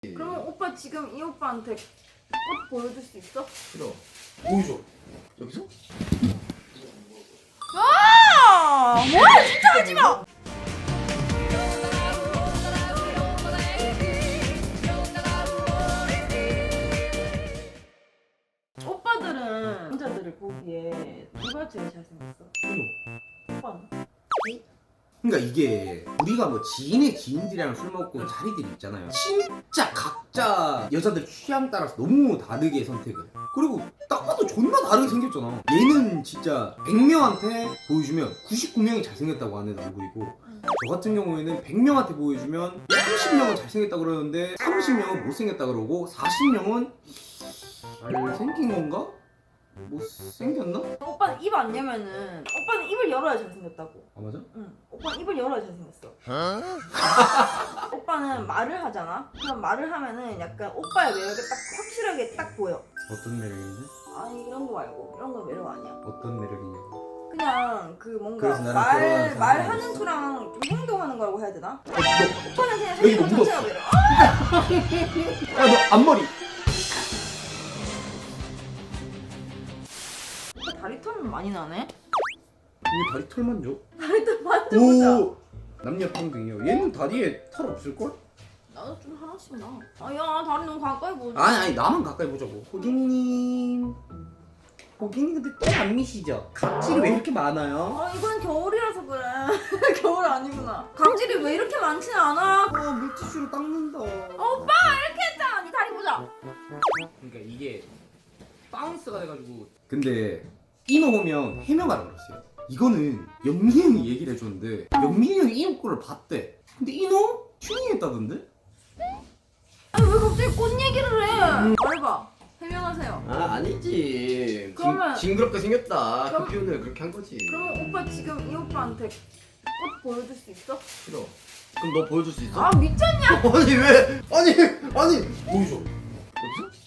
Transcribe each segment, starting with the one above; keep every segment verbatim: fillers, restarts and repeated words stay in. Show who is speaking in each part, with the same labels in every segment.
Speaker 1: 그러면 오빠 지금 이 오빠한테 꽃 보여줄 수 있어?
Speaker 2: 싫어. 보여줘. 여기서?
Speaker 1: 아! 뭐야 진짜 하지 마! 오빠들은 남자들을 보기에 누가 제일 잘생겼어?
Speaker 2: 이거.
Speaker 1: 오빠는?
Speaker 3: 그러니까 이게 우리가 뭐 지인의 지인들이랑 술 먹고 자리들이 있잖아요. 진짜 각자 여자들 취향 따라서 너무 다르게 선택을 해. 그리고 딱 봐도 존나 다르게 생겼잖아. 얘는 진짜 백 명한테 보여주면 구십구 명이 잘생겼다고 하는 얼굴이고, 저 같은 경우에는 백 명한테 보여주면 삼십 명은 잘생겼다 그러는데 삼십 명은 못생겼다 그러고 사십 명은 잘생긴 건가? 못생겼나?
Speaker 1: 오빠는 입 안 열면은 오빠는 입을 열어야 잘생겼다고.
Speaker 3: 아 맞아?
Speaker 1: 응. 오빠는 입을 열어야 잘생겼어. 오빠는 말을 하잖아? 그럼 말을 하면은 약간 오빠의 매력이 딱 확실하게 딱 보여.
Speaker 3: 어떤 매력인데?
Speaker 1: 아니 이런 거 말고 이런 거 매력 아니야.
Speaker 3: 어떤 매력이냐고.
Speaker 1: 그냥 그 뭔가
Speaker 3: 그래서 나랑
Speaker 1: 말
Speaker 3: 결혼하는
Speaker 1: 말하는
Speaker 3: 사람이
Speaker 1: 수랑 좀 행동하는 거라고 해야 되나?
Speaker 3: 어, 너,
Speaker 1: 오빠는 그냥
Speaker 3: 여기
Speaker 1: 생긴 것
Speaker 3: 뭐
Speaker 1: 자체가 매력. 아!
Speaker 3: 야, 너 앞머리.
Speaker 1: 오빠 다리 털은 많이 나네.
Speaker 3: 이 다리 털만 줘.
Speaker 1: 다리 털 만져보자.
Speaker 3: 오. 남녀 평등이요. 얘는 다리에 털 없을 걸?
Speaker 1: 나도 좀 하나씩 나. 아야 다리 너무 가까이 보자.
Speaker 3: 아니 아니 나만 가까이 보자고. 고객님. 고객님 근데 때 안 미시죠? 각질이 왜 이렇게 많아요?
Speaker 1: 아 이건 겨울이라서 그래. 겨울 아니구나. 각질이 왜 이렇게 많진 않아?
Speaker 3: 어 물티슈로 닦는다.
Speaker 1: 오빠 이렇게 했잖아. 네 다리 보자.
Speaker 3: 그러니까 이게 바운스가 돼가지고. 근데 이노 보면 해명하라 그랬어요. 이거는 영민이 형이 얘기를 해줬는데 영민이 형이 이 옷걸을 봤대. 근데 이노 튜닝했다던데?
Speaker 1: 아니 왜 갑자기 꽃 얘기를 해? 말해봐. 해명하세요.
Speaker 2: 아 아니지.
Speaker 1: 그러면-
Speaker 2: 징, 징그럽게 생겼다.
Speaker 1: 그럼-
Speaker 2: 그 표현을 그렇게 한 거지.
Speaker 1: 그러면 오빠 지금 이 오빠한테 꽃 보여줄 수 있어?
Speaker 2: 싫어. 그럼 너 보여줄 수 있어?
Speaker 1: 아 미쳤냐?
Speaker 2: 아니 왜? 아니 아니 보여줘. 여기서?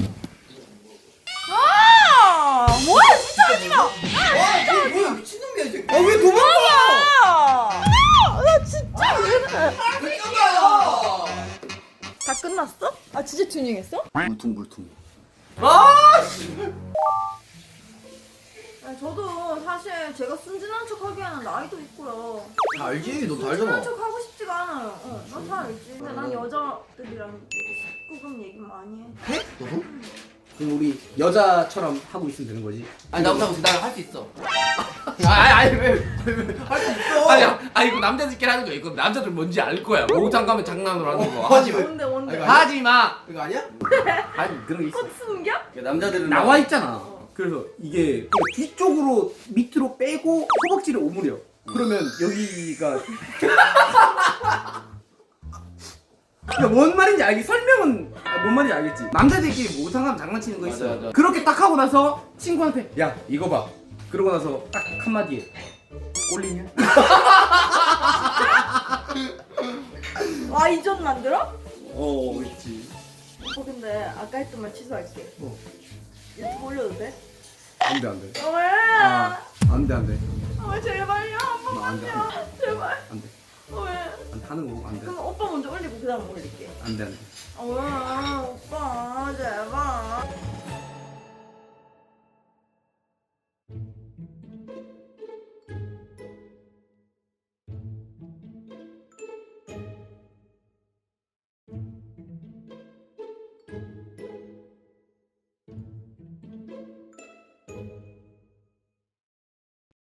Speaker 1: 아 뭐야 진짜 하지 마.
Speaker 2: 아 뭐야 미친놈이야 이 새끼.
Speaker 3: 아왜 도망가?
Speaker 1: 아, 나 진짜 왜 그래?
Speaker 2: 미친놈이야.
Speaker 1: 다 끝났어? 아 진짜 튜닝했어?
Speaker 3: 물통 물통.
Speaker 2: 아 씨.
Speaker 1: 아니, 저도 사실 제가 순진한 척 하기에는 나이도 있고요.
Speaker 2: 다 알지. 너도
Speaker 1: 순진한
Speaker 2: 알잖아.
Speaker 1: 척 하고 싶지가 않아요. 어, 난 다 알지. 근데 난 여자들이랑 조금 얘기 많이 해.
Speaker 2: 해? 너도?
Speaker 3: 그럼 우리 여자처럼 하고 있으면 되는 거지?
Speaker 2: 아니 나보다 나할 수 있어. 아니 아니 왜왜할 수 있어?
Speaker 4: 아니야, 아 이거 남자들끼리 하는 거야. 이거 남자들 뭔지 알 거야. 목욕탕 가면 장난으로 하는 거.
Speaker 2: 어,
Speaker 4: 하지 마.
Speaker 1: 뭔데 뭔데?
Speaker 2: 아이고,
Speaker 4: 하지 마.
Speaker 2: 이거 아니야?
Speaker 3: 아니 그런 게 있어.
Speaker 1: 꽃 숨겨?
Speaker 2: 남자들은
Speaker 3: 나와 있잖아. 그래서 이게 뒤쪽으로 밑으로 빼고 허벅지를 오므려. 그러면 여기가 그러니까 뭔 말인지 알겠. 설명은 아, 뭔 말인지 알겠지. 남자들끼리 목욕탕 가면 장난치는 거 있어.
Speaker 2: 맞아, 맞아.
Speaker 3: 그렇게 딱 하고 나서 친구한테 야 이거 봐. 그러고 나서 딱 한마디에 꼴리냐?
Speaker 1: 와 이전 만들어?
Speaker 3: 어 있지.
Speaker 1: 어 근데 아까 했던 말 취소할게.
Speaker 3: 뭐?
Speaker 1: 유튜브 올려도 돼?
Speaker 3: 안돼 안돼.
Speaker 1: 어, 왜?
Speaker 3: 아 안돼 안돼.
Speaker 1: 어, 제발요 한
Speaker 3: 나 안돼
Speaker 1: 번만요.
Speaker 3: 안돼
Speaker 1: 제발.
Speaker 3: 안돼.
Speaker 1: 어, 왜?
Speaker 3: 안돼 하는 거고 안돼
Speaker 1: 그럼 오빠 먼저 올리고 그 다음 올릴게.
Speaker 3: 안돼 안돼.
Speaker 1: 어, 왜? 오빠 제발.